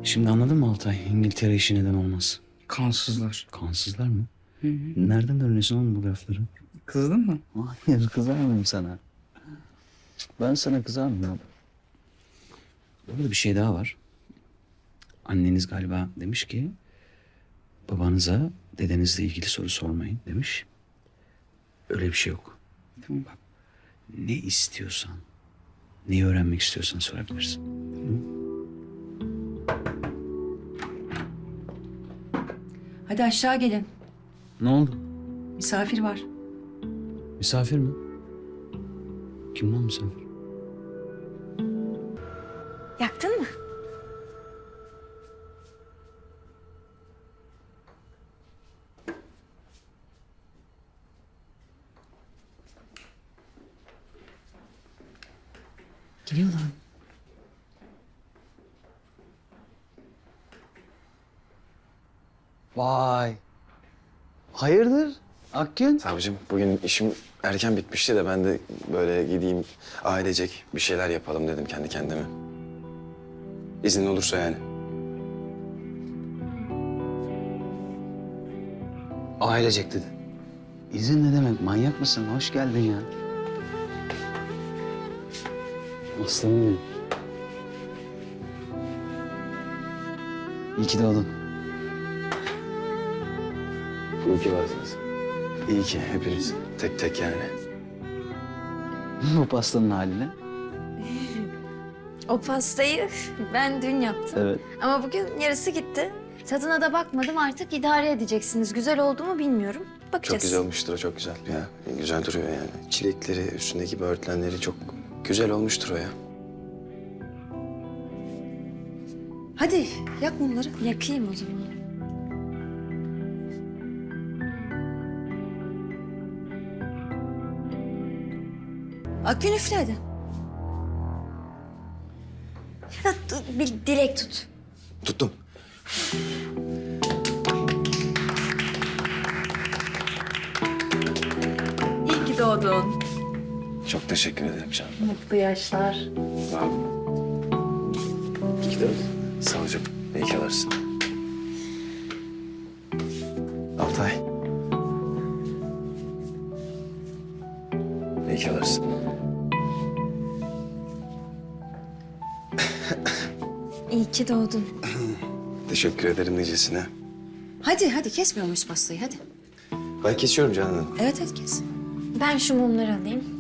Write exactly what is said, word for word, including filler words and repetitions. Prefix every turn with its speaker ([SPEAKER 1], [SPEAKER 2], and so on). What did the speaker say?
[SPEAKER 1] Şimdi anladın mı Altay? İngiltere işi neden olmaz?
[SPEAKER 2] Kansızlar.
[SPEAKER 1] Kansızlar mı?
[SPEAKER 2] Hı hı.
[SPEAKER 1] Nereden öğreniyorsun oğlum bu lafları?
[SPEAKER 2] Kızdın mı?
[SPEAKER 1] Hayır, kızar mıyım sana? Ben sana kızar mıyım? Burada bir şey daha var. Anneniz galiba demiş ki... babanıza dedenizle ilgili soru sormayın demiş. Öyle bir şey yok.
[SPEAKER 2] Tamam.
[SPEAKER 1] Bak, ne istiyorsan, neyi öğrenmek istiyorsan sorabilirsin.
[SPEAKER 3] Hadi aşağı gelin.
[SPEAKER 1] Ne oldu?
[SPEAKER 3] Misafir var.
[SPEAKER 1] Misafir mi? Kim lan misafir?
[SPEAKER 4] Yaktın mı?
[SPEAKER 3] Geliyorlar.
[SPEAKER 1] Vay. Hayırdır Akgün?
[SPEAKER 5] Savcım bugün işim erken bitmişti de ben de böyle gideyim ailecek bir şeyler yapalım dedim kendi kendime. İznin olursa yani.
[SPEAKER 1] Ailecek dedi. İzin ne demek? Manyak mısın? Hoş geldin ya. Aslanım benim. İyi ki doğdun.
[SPEAKER 5] İyi ki varsınız. İyi ki hepiniz tek tek yani.
[SPEAKER 1] Bu pastanın haline.
[SPEAKER 4] O pastayı ben dün yaptım.
[SPEAKER 1] Evet.
[SPEAKER 4] Ama bugün yarısı gitti. Tadına da bakmadım, artık idare edeceksiniz. Güzel oldu mu bilmiyorum. Bakacağız.
[SPEAKER 5] Çok güzel olmuştur o, çok güzel ya. Güzel duruyor yani. Çilekleri, üstündeki böğürtlenleri çok güzel olmuştur o ya.
[SPEAKER 3] Hadi yak mumları.
[SPEAKER 4] Yakayım o zaman.
[SPEAKER 3] Akgün üfle hadi.
[SPEAKER 4] Ya, dur, bir dilek tut.
[SPEAKER 5] Tuttum.
[SPEAKER 3] İyi ki doğdun.
[SPEAKER 5] Çok teşekkür ederim canım.
[SPEAKER 4] Mutlu yaşlar.
[SPEAKER 5] Sağ ol. İyi ki doğdun. Sağ ol canım. İyi ki varsın. Altay. İyi ki varsın.
[SPEAKER 4] İyi ki doğdun.
[SPEAKER 5] Teşekkür ederim nicesine.
[SPEAKER 3] Hadi hadi kesmiyor muyuz pastayı hadi.
[SPEAKER 5] Ben kesiyorum canım.
[SPEAKER 3] Evet hadi kes.
[SPEAKER 4] Ben şu mumları alayım.